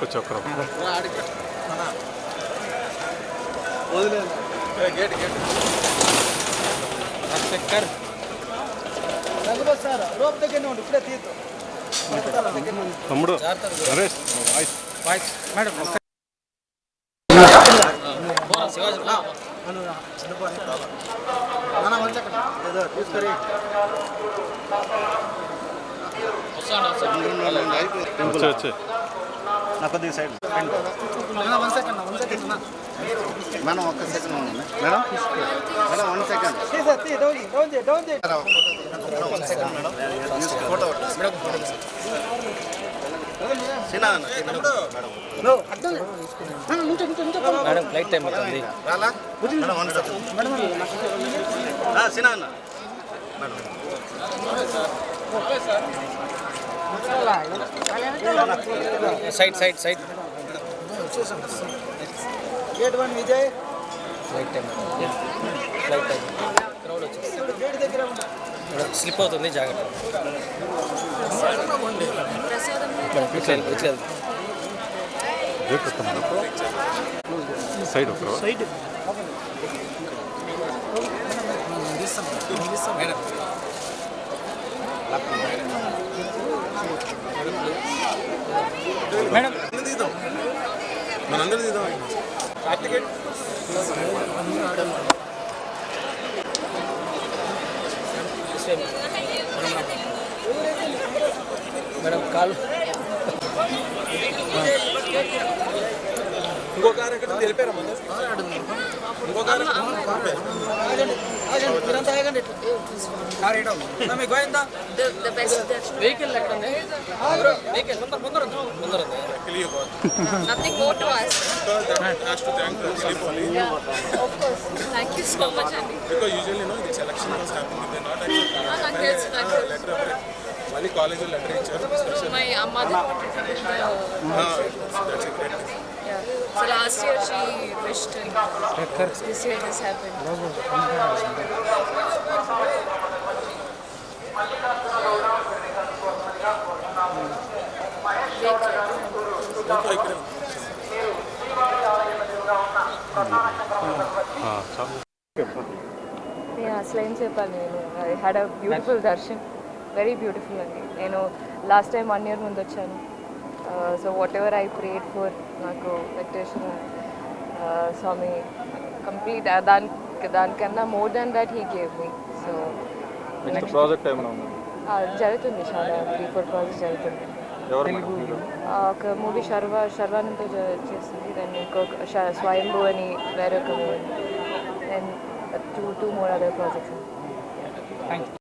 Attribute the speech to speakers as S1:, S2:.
S1: చక్రం తమ్ముడు నరేష్
S2: మేడం
S1: వచ్చే
S3: నా కొద్దిగా సైడ్ మేడం ఒక్క second madam madam 1 second photo
S2: madam flight time అవుతుంది
S3: సినా అన్న
S2: side side side
S4: gate 1 Vijay
S2: flight time flight time crowd వచ్చేసి
S4: గేట్ దగ్గర
S2: స్లిప్ అవుతుంది జాగ్రత్త
S1: సైడ్ ఒక
S4: సైడ్
S2: మేడం
S1: మనందరూ తీద్దాం
S2: మేడం కాలు
S1: ఇంకో కారు ఎక్కడ తెలిపారా ఇంకో కారు
S2: వెహికల్ ఎక్కడ ఉంది వెహికల్ ముందర
S5: Nothing more to ask.
S1: has to thank Dilipoli
S5: Yeah, of course. Thank you so much, Andy.
S1: because usually the selection was happening they're not actually letter mali college letter icharu special
S5: My mother wanted to wish
S1: that's a great thing.
S5: yeah. So last year she wished and this year this happened.
S6: నేను అసలు ఏం చెప్పాలి నేను I had a beautiful darshan very beautiful అండి నేను last time 1 year ముందు వచ్చాను so whatever I prayed for నాకు వెంకటేశ్వర స్వామి కంప్లీట్ దానికన్నా more than that he gave me so
S1: project ఏమైనా ఉంది
S6: జరుగుతుంది చాలా 3-4 ప్రాజెక్ట్స్ జరుగుతుంది ఒక మూవీ శర్వానంతో చేస్తుంది దాన్ని ఇంకొక స్వయంభూ అని వేరొక movie then two more other projects.
S2: Thank you